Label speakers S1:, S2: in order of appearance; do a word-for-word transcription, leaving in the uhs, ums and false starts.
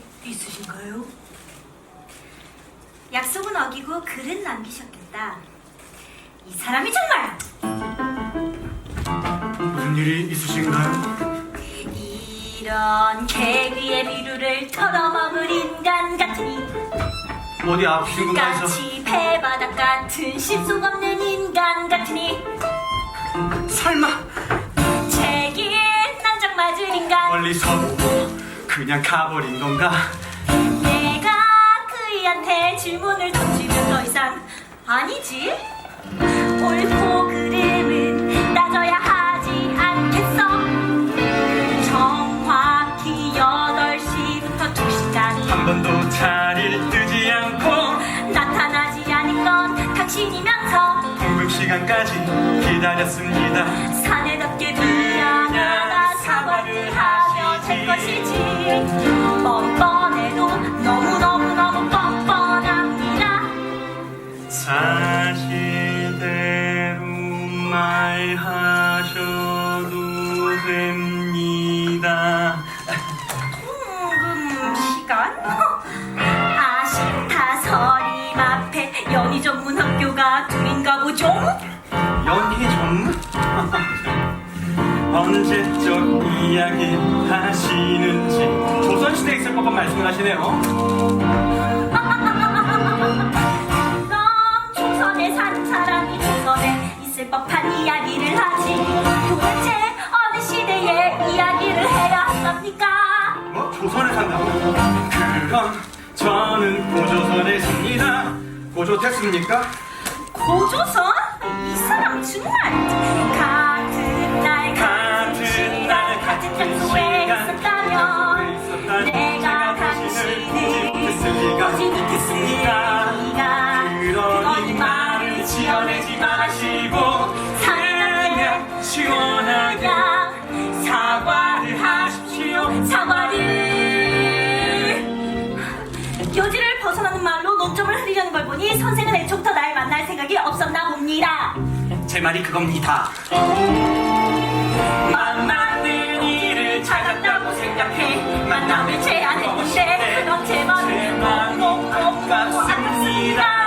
S1: 있으신가요? 약속은 어기고 글은 남기셨겠다. 이 사람이 정말
S2: 무슨 일이 있으신가요?
S1: 이런 개그의 비루를 털어먹을 인간 같으니,
S2: 어디 아프신 건가 해서.
S1: 까치 배바닥 같은 실속 없는 인간 같으니,
S2: 설마
S1: 책임 난장 맞을 인간.
S2: 멀리서 그냥 가버린 건가?
S1: 내가 그이한테 질문을 던지면 더 이상 아니지? 옳고 그름은 따져야 하지 않겠어? 정확히 여덟 시부터 두 시간
S2: 한 번도 자리를 뜨지 않고
S1: 나타나지 않은 건 당신이면서
S2: 통금 시간까지 기다렸습니다.
S1: 사내답게 미안하다 사과를 하며 될 것이지. 뻔뻔해도 너무너무너무 뻔뻔합니다.
S2: 사실대로 말하셔도 됩니다.
S1: 통금 시간? 아쉽다. 서림 앞에 연희 전문 학교가 둘인가 보죠?
S2: 연희 전문? 언제적 이야기 하시는지 조선시대에 있을 법한 말씀을 하시네요.
S1: 그럼 조선에 사는 사람이 조선에 있을 법한 이야기를 하지. 도대체 어느 시대의 이야기를 해야 합니까?
S2: 뭐? 조선에 산다고? 그럼 저는 고조선에 삽니다. 고조됐습니까?
S1: 고조선? 이 사람 정말 같은 날 같은 시간 같은 장소에 있었다면 내가 당신을 보지 못했으니까. 그러니 말을 지어내지 마시고 사랑하게
S2: 시원하게
S1: 사과를 하십시오. 사과를. 교지를 벗어나는 말로 논점을 흐리려는 걸 보니 선생은 애초부터 날 만날 생각이 없었나 봅니다.
S2: 제 말이 그겁니다.
S1: 만나는 일을 찾았다고 생각해 만남을 제안했는데 그럼 제 마음이 너무너무 아깝습니다.